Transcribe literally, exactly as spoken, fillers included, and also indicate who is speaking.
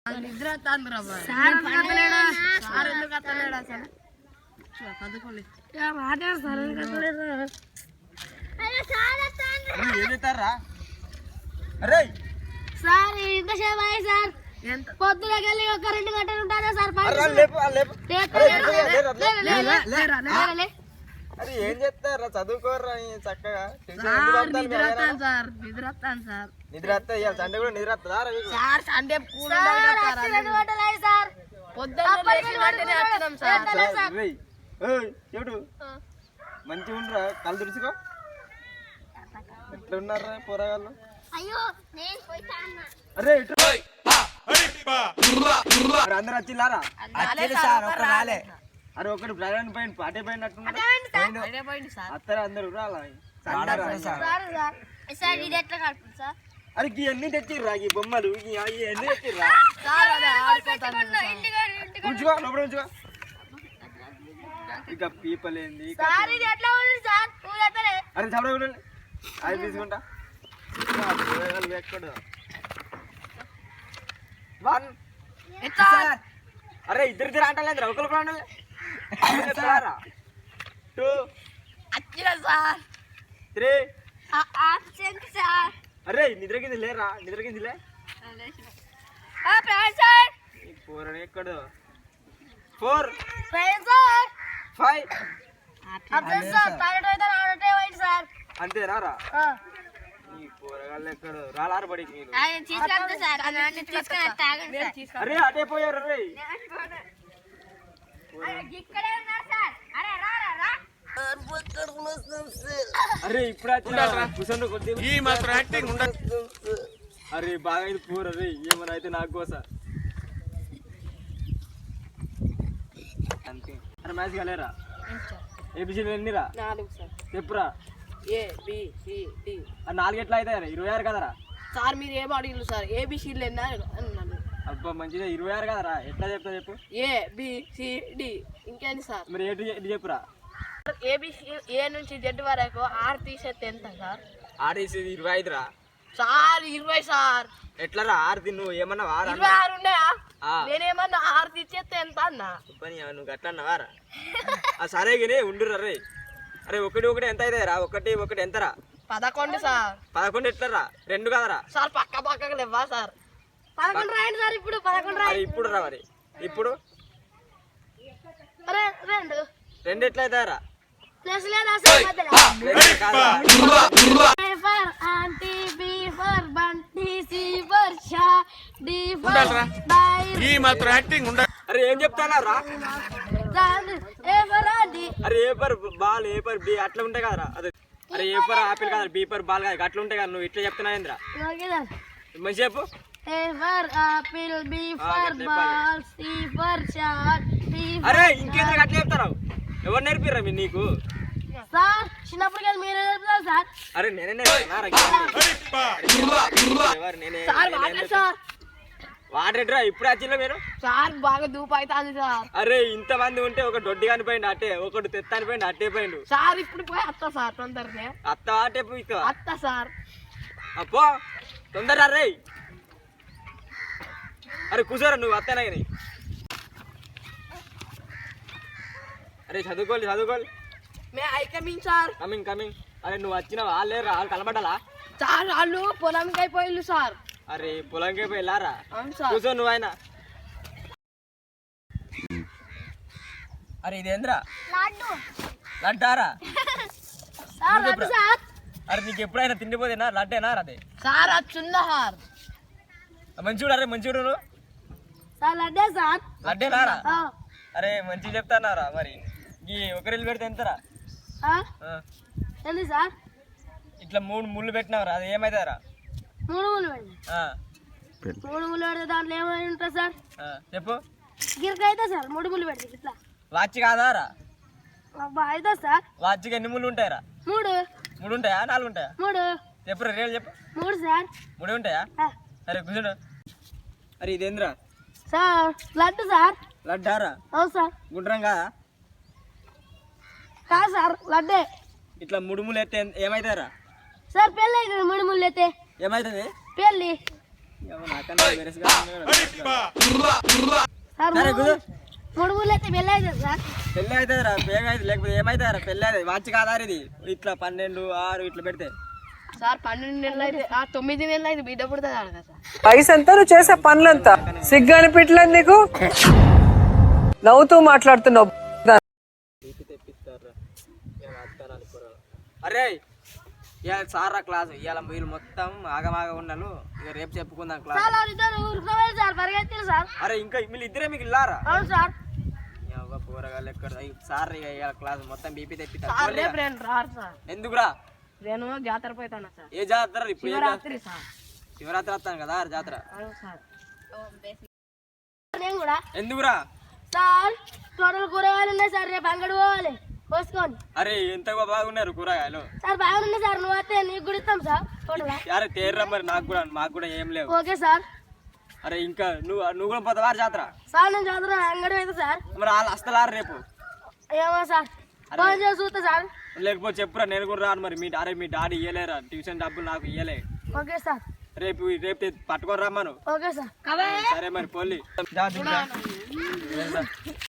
Speaker 1: నిద్ర sir కట్టలేడా sir ఎందుకు కట్టలేడా sir చదువుకోండి మాట్లాడు సార్ కట్టలేదా
Speaker 2: ఏం చేస్తారా అరే
Speaker 1: సార్ ఇంతసేపు అయ్యి సార్ పొద్దునకి వెళ్ళి ఒక రెండు గంటలు ఉంటుందా సార్
Speaker 2: అరే ఏం చేస్తారా చదువుకోర్రా చక్కగా
Speaker 1: నిద్ర వస్తాను సార్ నిద్ర వస్తాను సార్
Speaker 2: నిద్ర వస్తా ఇవాళ సండే కూడా నిద్ర వస్తుందా
Speaker 1: సార్ సండే సార్ పొద్దున్న
Speaker 2: చెడు మంచిగా ఉండరా కళ్ళు తుడుచుకో ఎట్లా ఉన్నారా పోరగాళ్ళు అరే అందరు వచ్చిల్లారా అరే ఒకటి ప్రయాణం పోయింది పాటే పోయినట్టున్నారు అత్తరా అందరు అరే ఇవన్నీ తెచ్చిర్రా ఈ బొమ్మలు ఇవన్నీ తెచ్చిర్రా ఉంచుకో లోపల ఉంచుకో ఇక పీపల్ ఏంది అరే చదవ అది తీసుకుంటా ఎక్కడ వన్ అరే ఇద్దరు ఇద్దరు అంటలేదు ఒకరు అంటలే టూ త్రీ అరే నిద్ర కింద లేరా నిద్ర కింద లే ఫోర్ అని ఎక్కడ ఫోర్ ఫైవ్ అంతేనా రా ఈ కూరగాయలు ఎక్కడ రాలారు బడి మీరు అరే అటే పోయారు రే అరే ఇప్పుడు ఈ మాత్రం యాక్టింగ్ ఉండదు అరే బాగా ఇది కూర రే ఏమన్నా అయితే నాకు కోస అంతే అరే మ్యాచ్ కలేరా ఏబిసి ఎన్నిరా చెప్పురా
Speaker 1: ఏ బి సి డి
Speaker 2: నాలుగు ఎట్లా అవుతాయి ఇరవై ఆరు కదరా
Speaker 1: సార్ మీరు ఏం అడిగిరు సార్ ఏబిసిలు ఎన్నా అన్నాను
Speaker 2: అబ్బా మంచిగా ఇరవై ఆరు కదరా ఎట్లా చెప్తా చెప్పు
Speaker 1: ఏ బి సి డి ఇంకేంటి సార్
Speaker 2: మరి ఏంటి చెప్పురా
Speaker 1: ఏబిసి ఏ నుంచి జెడ్ వరకు ఆరు తీసేస్తే ఎంత సార్
Speaker 2: ఆరు తీసేది ఇరవై ఐదు రా
Speaker 1: సార్ ఇరవై సార్
Speaker 2: ఎట్లా రా ఆరు తిన్ను ఏమన్నా వారా
Speaker 1: ఇరవై ఆరు ఉన్నాయా నేనేమన్నా ఆరు తీసేస్తే ఎంత అన్నా
Speaker 2: నువ్వు గట్లా అన్నవారా సరే కానీ ఉండురా రే అరే ఒకటి ఒకటి ఎంత అవుతాయి రా ఒకటి ఒకటి ఎంతరా
Speaker 1: పదకొండు సార్
Speaker 2: పదకొండు ఎట్లరా రెండు కదరా
Speaker 1: సార్ పక్క పక్కకు లేవా సార్ పదకొండు రాయండి సార్ ఇప్పుడు పదకొండు రాయండి
Speaker 2: ఇప్పుడు రా మరి ఇప్పుడు
Speaker 1: రెండు
Speaker 2: రెండు ఎట్లా అవుతాయరా
Speaker 1: ప్లస్ లేదా sir A for aunty B for Bunty C for షా డి ఫర్ ఈ మాత్రం యాక్టింగ్ ఉండ
Speaker 2: అరే ఏం చెప్తానా రా
Speaker 1: ఏ ఫర్ ఆంటీ
Speaker 2: అరే A for ball A for B అట్లా ఉంటాయి కదరా అదే అరే ఏ ఫర్ ఆపిల్ కదా బి ఫర్ బాల్ కదా అట్లా ఉంటాయి కదా నువ్వు ఇట్లా చెప్తున్నావు ఏంద్రా మంచి చెప్పు
Speaker 1: A for apple B for ball C for shot D
Speaker 2: అరే ఇంకేంద్ర అట్లా చెప్తారా ఎవరు నేర్పిర్రా మీరు నీకు
Speaker 1: సార్ చిన్నప్పుడు కదా మీరే నేర్పుతారు సార్
Speaker 2: అరే నేనే
Speaker 1: సార్
Speaker 2: వాడరా ఇప్పుడు వచ్చిందా మీరు
Speaker 1: సార్ బాగా దూపు అవుతుంది సార్
Speaker 2: అరే ఇంత మంది ఉంటే ఒక దొడ్డి కానిపోయింది అట్టే ఒకటి తెత్తాని పోయింది అట్టే పోయిండు
Speaker 1: సార్ ఇప్పుడు పోయి అత్త సార్ తొందరనే
Speaker 2: అత్త అట్టే పోయి
Speaker 1: అత్త సార్
Speaker 2: అప్పో తొందర రే అరే కూర్చోరా నువ్వు అత్తనా కానీ అరే చదువుకోవాలి చదువుకోవాలి
Speaker 1: may I coming sir
Speaker 2: coming coming అరే నువ్వు వచ్చినావా లేరు వాళ్ళు కనబడ్డాలా
Speaker 1: సార్ వాళ్ళు పొలంకి అయిపోయిల్లు సార్
Speaker 2: అరే పొలంకి వెళ్ళారా
Speaker 1: అవును సార్
Speaker 2: కూర్చో నువ్వు ఆయన అరే ఇదేంద్రా లడ్డారా అరే నీకు ఎప్పుడైనా తిండిపోతేనా లడ్డేనా అదే
Speaker 1: సార్ వచ్చిందా సార్
Speaker 2: మంచిగా అరే మంచిగా నువ్వు
Speaker 1: సార్ లడ్డే సార్
Speaker 2: లడ్డేనారా అరే మంచిగా చెప్తానారా మరి ఈ ఒకరిల్లు పెడితే ఎంతరా
Speaker 1: ఏంది సార్
Speaker 2: ఇట్లా మూడు ముళ్ళు పెట్టినావురా అది ఏమైతారా
Speaker 1: మూడు ముళ్ళు పెట్టి మూడు ముళ్ళు పెడితే దాంట్లో ఏమైనా ఉంటుంది సార్
Speaker 2: చెప్పు
Speaker 1: గిరక అయితే సార్ మూడు ముళ్ళు పెడితే ఇట్లా
Speaker 2: వాచ్ కాదారా
Speaker 1: అయితే సార్
Speaker 2: వాచ్కి ఎన్ని ముళ్ళు ఉంటాయరా
Speaker 1: మూడు
Speaker 2: మూడు ఉంటాయా నాలుగు ఉంటాయా
Speaker 1: మూడు
Speaker 2: చెప్పురా రేలు చెప్పు
Speaker 1: మూడు సార్
Speaker 2: మూడు ఉంటాయా అరే కూర్చోండి అరే ఇదేంద్రా
Speaker 1: సార్ లడ్డు సార్
Speaker 2: లడ్డారా
Speaker 1: అవును సార్
Speaker 2: గుండ్రం కాదా
Speaker 1: కాదు సార్ లడ్డే
Speaker 2: ఇట్లా ముడుములు ఎత్తే ఏమైతారా
Speaker 1: సార్ పెళ్ళి అవుతుంది మూడు ముళ్ళు అయితే
Speaker 2: ఏమైతుంది
Speaker 1: పెళ్ళి
Speaker 2: నాకన్నా బెరస్గా
Speaker 1: సార్
Speaker 2: సరే,
Speaker 1: మూడు
Speaker 2: కుదు.
Speaker 1: మూడు ఊళ్ళు అయితే పెళ్ళి అవుతుంది సార్
Speaker 2: పెళ్ళి అవుతుంది రా బేగ అయితే లేకపోతే ఏమవుతుంది రా పెళ్ళి అవుతుంది మంచి కాదా ఇది ఇట్లా పన్నెండు ఆరు ఇట్లా పెడితే
Speaker 1: సార్ పన్నెండు నెలలు అయితే ఆ తొమ్మిది నెలలు అయితే బిడ్డ పుడుతుంది అడగా సార్
Speaker 3: వయసు ఎంత నువ్వు చేసే పనులంతా సిగ్గు అనిపించలేదు నీకు నవ్వుతూ మాట్లాడుతున్నావు
Speaker 2: తెప్పిస్తారు అరే ఇవాళ సార్ రా క్లాస్ ఇవాళ వీళ్ళు మొత్తం ఆగమాగా ఉన్నాను ఇక రేపు చెప్పుకుందాం క్లాస్
Speaker 1: సార్ వాళ్ళిద్దరు ఊరుకోవాలి సార్ పరిగెత్తారు సార్
Speaker 2: అరే ఇంకా వీళ్ళు ఇద్దరే మీకు ఇల్లారా
Speaker 1: అవును సార్
Speaker 2: పోరగాళ్ళు ఎక్కడ సార్ ఇక ఇవాళ క్లాస్ మొత్తం బీపీ
Speaker 1: సార్
Speaker 2: తెప్పిస్తారు
Speaker 1: రేపు నేను రారు సార్
Speaker 2: ఎందుకురా
Speaker 1: నేను జాతర పోతాను సార్
Speaker 2: ఏ జాతర ఇప్పుడు ఏ జాతర?
Speaker 1: శివరాత్రి సార్
Speaker 2: శివరాత్రి వస్తాను కదా ఆ జాతర
Speaker 1: అవును సార్ నేను కూడా
Speaker 2: ఎందుకురా
Speaker 1: సార్ టోటల్ కూరగాయలు ఉన్నాయి సార్ రేపు అంగడి పోవాలి పోసుకోండి
Speaker 2: అరే ఎంత బాగున్నారు కూరగాయలు
Speaker 1: సార్ బాగున్నాయి సార్ నువ్వు వస్తే నీకు కూడా ఇస్తాం సార్ టోటల్
Speaker 2: అరే తేర్రా మరి నాకు కూడా మాకు కూడా ఏం లేవు
Speaker 1: ఓకే సార్
Speaker 2: అరే ఇంకా నువ్వు నువ్వు కూడా పోతావా జాతర
Speaker 1: సార్ నేను జాతర అంగడి అయితే సార్
Speaker 2: మరి వాళ్ళు వస్తలారు రేపు
Speaker 1: ఏమో సార్ ఫోన్ చేసి చూస్తా సార్
Speaker 2: లేకపోతే చెప్పురా నేను కూడా రాను మరి మీ అరే మీ డాడీ ఇయ్యలేరా ట్యూషన్ డబ్బులు నాకు ఇయ్యలే
Speaker 1: ఓకే సార్
Speaker 2: రేపు రేపు తె- పట్టుకొని రమ్మను
Speaker 1: ఓకే సార్
Speaker 2: సరే మరి పోలి